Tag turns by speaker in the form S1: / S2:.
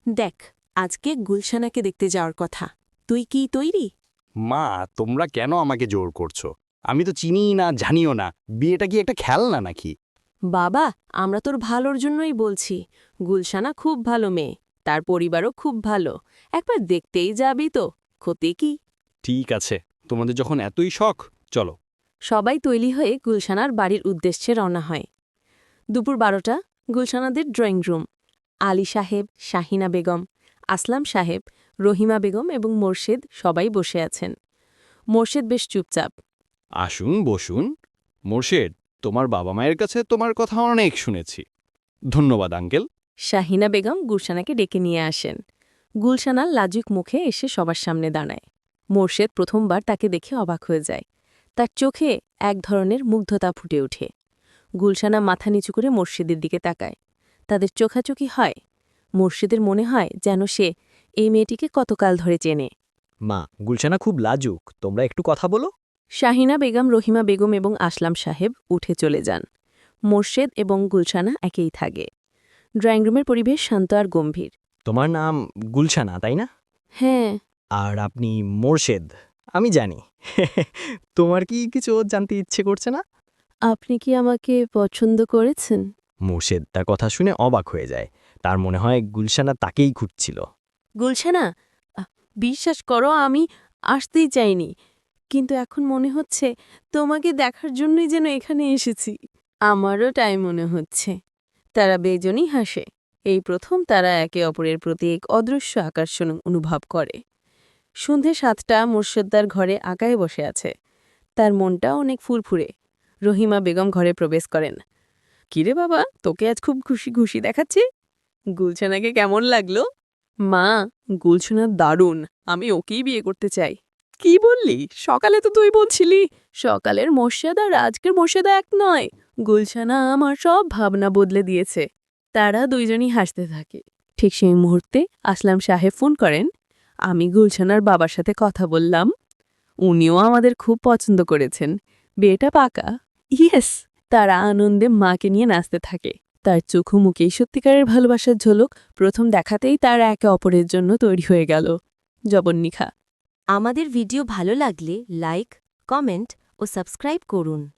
S1: দেখ, আজকে গুলশানাকে দেখতে যাওয়ার কথা। তুই কি তৈরি?
S2: মা, তোমরা কেন আমাকে জোর করছো? আমি তো চিনিই না, জানিও না। বিয়েটা কি একটা খেলনা নাকি?
S1: বাবা, আমরা তোর ভালোর জন্যই বলছি। গুলশানা খুব ভালো মেয়ে, তার পরিবারও খুব ভালো। একবার দেখতেই যাবি তো, ক্ষতি কি?
S2: ঠিক আছে, তোমাদের যখন এতই শখ, চলো।
S1: সবাই তৈরি হয়ে গুলশানার বাড়ির উদ্দেশ্যে রওনা হয়। দুপুর 12টা, গুলশানাদের ড্রয়িং রুম। আলী সাহেব, শাহিনা বেগম, আসলাম সাহেব, রহিমা বেগম এবং মোর্শেদ সবাই বসে আছেন। মোর্শেদ বেশ চুপচাপ।
S2: আসুন, বসুন। মোর্শেদ, তোমার বাবা মায়ের কাছে তোমার কথা অনেক শুনেছি। ধন্যবাদ আঙ্কেল।
S1: শাহিনা বেগম গুলশানাকে ডেকে নিয়ে আসেন। গুলশানা লাজুক মুখে এসে সবার সামনে দাঁড়ায়। মোর্শেদ প্রথমবার তাকে দেখে অবাক হয়ে যায়। তার চোখে এক ধরনের মুগ্ধতা ফুটে ওঠে। গুলশানা মাথা নিচু করে মোর্শেদের দিকে তাকায়। তাদের চোখাচোখি হয়। মোর্শেদের মনে হয় যেন সে এই মেয়েটিকে কতকাল ধরে চেনে।
S3: মা, গুলশানা খুব লাজুক, তোমরা একটু কথা বলো।
S1: শাহিনা বেগম, রহিমা বেগম এবং আসলাম সাহেব উঠে চলে যান। মোর্শেদ এবং গুলশানা একেই থাকে। ড্রয়িং রুমের পরিবেশ শান্ত আর গম্ভীর।
S3: তোমার নাম গুলশানা, তাই না?
S1: হ্যাঁ।
S3: আর আপনি মোর্শেদ, আমি জানি। তোমার কি কিছু জানতে ইচ্ছে করছে না?
S1: আপনি কি আমাকে পছন্দ করেছেন?
S3: মোর্শেদ তার কথা শুনে অবাক হয়ে যায়। তার মনে হয় গুলশানা তাকেই খুঁজছিল।
S1: গুলশানা, বিশ্বাস করো, আমি আসতেই চাইনি, কিন্তু এখন মনে হচ্ছে তোমাকে দেখার জন্যই যেন এখানে এসেছি। আমারও তাই মনে হচ্ছে। তারা বেজনই হাসে। এই প্রথম তারা একে অপরের প্রতি এক অদৃশ্য আকর্ষণ অনুভব করে। সন্ধে 7টা, মোর্শেদ্দার ঘরে আঁকায় বসে আছে। তার মনটা অনেক ফুরফুরে। রহিমা বেগম ঘরে প্রবেশ করেন। কিরে বাবা, তোকে আজ খুব খুশি খুশি দেখাচ্ছে। গুলশানাকে কেমন লাগলো? মা, গুলশানা দারুণ, আমি ওকেই বিয়ে করতে চাই। কি বললি? সকালে তো তুই বলছিলি সকালের মর্যাদা আর আজকের মর্যাদা এক নয়। গুলশানা আমার সব ভাবনা বদলে দিয়েছে। তারা দুইজনই হাসতে থাকে। ঠিক সেই মুহূর্তে আসলাম সাহেব ফোন করেন। আমি গুলশানার বাবার সাথে কথা বললাম। উনিও আমাদের খুব পছন্দ করেছেন। বিয়েটা পাকা। ইয়েস। তারা আনন্দে মাকে নিয়ে নাচতে থাকে। তার চোখু মুখেই সত্যিকারের ভালোবাসার ঝলক। প্রথম দেখাতেই তারা একে অপরের জন্য তৈরি হয়ে গেল। জবন্নিখা।
S4: আমাদের ভিডিও ভালো লাগলে লাইক, কমেন্ট ও সাবস্ক্রাইব করুন।